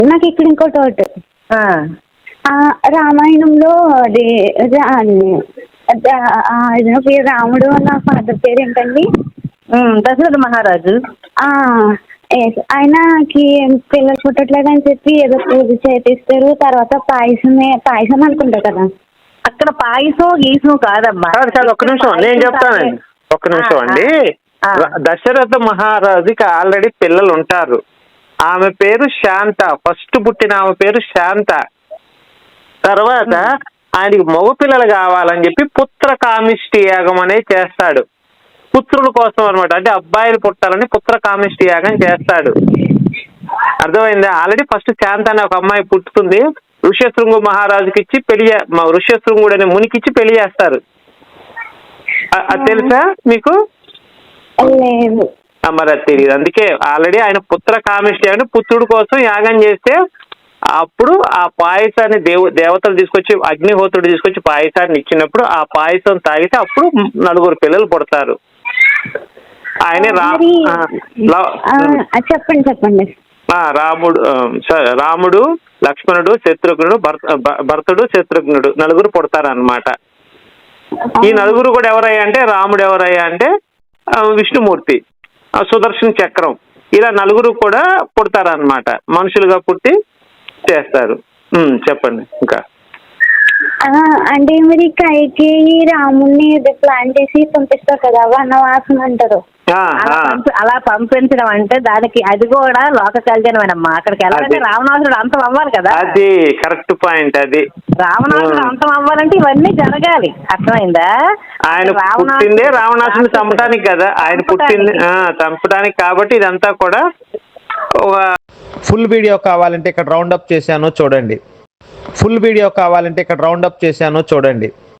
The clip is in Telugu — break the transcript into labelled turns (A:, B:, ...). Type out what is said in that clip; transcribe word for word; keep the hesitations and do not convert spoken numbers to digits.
A: నాకు ఇక్కడ ఇంకో డౌట్.
B: ఆ,
A: ఆ, రామాయణంలో అది రా- అది, ఆ, ఆయన పేరు రాముడు నా ఫాదర్ పేరు ఏంటండి?
B: ఉమ్, దశరథ మహారాజు.
A: ఆ, yes. ఆయనకి పిల్లలు పుట్టట్లేదని చెప్పి ఏదో పూజ చేపిస్తారు, తర్వాత పాయసమే పాయసం అనుకుంటా కదా.
B: అక్కడ పాయసం గీసం కాదమ్మా.
C: కాదు కాదు ఒక్క నిమిషం నేను చెప్తానండి. ఒక్క నిమిషం అండి.
B: ఆ.
C: ర- దశరథ మహారాజుకి ఆల్రెడీ పిల్లలు ఉంటారు. ఆమె పేరు శాంత. ఫస్ట్ పుట్టిన ఆమె పేరు శాంత. తర్వాత ఆయనకి మగ పిల్లలు కావాలని చెప్పి పుత్ర కామిష్టి యాగం అనేది చేస్తాడు. పుత్రుల కోసం అనమాట. అంటే అబ్బాయిలు పుట్టాలని పుత్ర కామిష్టి యాగం చేస్తాడు. అర్థమైందా? ఆల్రెడీ ఫస్ట్ శాంత అనే ఒక అమ్మాయి పుట్టుతుంది. ఋష్యశృంగు మహారాజుకి ఇచ్చి పెళ్లి చే- మా ఋష్యశృంగుడు అనే మునికిచ్చి పెళ్లి చేస్తారు. అ- అది తెలుసా మీకు?
A: లేదు.
C: ఆ, మరి అది తెలియదు. అందుకే ఆల్రెడీ ఆయన పుత్ర కామిష్టి అంటే పుత్రుడు కోసం యాగం చేస్తే అప్పుడు ఆ పాయసాన్ని దేవ దేవతలు తీసుకొచ్చి అగ్నిహోత్రుడు తీసుకొచ్చి పాయసాన్ని ఇచ్చినప్పుడు ఆ పాయసం తాగితే అప్పుడు నలుగురు పిల్లలు పుడతారు. ఆయనే రా
A: మరి,
C: ఆ, లా-
A: ఆ, చెప్పండి చెప్పండి.
C: ఆ, రాముడు ఆ, స- రాముడు, లక్ష్మణుడు, శత్రుఘ్నుడు, భర్త భ- భరతుడు, శత్రుఘ్నుడు నలుగురు పుడతారు అన్నమాట. ఈ నలుగురు కూడా ఎవరయ్యా అంటే రాముడు ఎవరయ్యా అంటే ఆ, విష్ణుమూర్తి, ఆ, సుదర్శన చక్రం, ఇలా నలుగురు కూడా పుడతారన్నమాట. మనుషులుగా పుట్టి చేస్తారు. ఉమ్, చెప్పండి ఇంకా.
A: ఆ, అంటే మరి కైకి రాముడిని ప్లాన్ చేసి పంపిస్తారు కదా, వనవాసం అంటారు.
C: ఆ,
B: అలా
C: ఆ,
B: పంపి- అలా పంపించడం అంటే దానికి అది కూడా లోక కళ్యాణమేనమ్మా. అక్కడికి వెళ్ళాలంటే
C: అది.
B: రావణాసురుడు అంతం అవ్వాలి కదా.
C: అది కరెక్ట్ పాయింట్. అది
B: రావణాసురుడు
C: ఉమ్.
B: అంతం అవ్వాలంటే ఇవన్నీ జరగాలి. అర్థమైందా?
C: ఆయన
B: రావణాసురుడు-
C: పుట్టిందే రావణాసుని చంపడానికి కదా. ఆయన పుట్టింది ఆ, చంపడానికి. కాబట్టి ఇదంతా కూడా ఒక
D: ఫుల్ వీడియో కావాలంటే ఇక్కడ రౌండ్ అప్ చేశాను చూడండి. ఫుల్ వీడియో కావాలంటే ఇక్కడ రౌండ్ అప్ చేశాను చూడండి.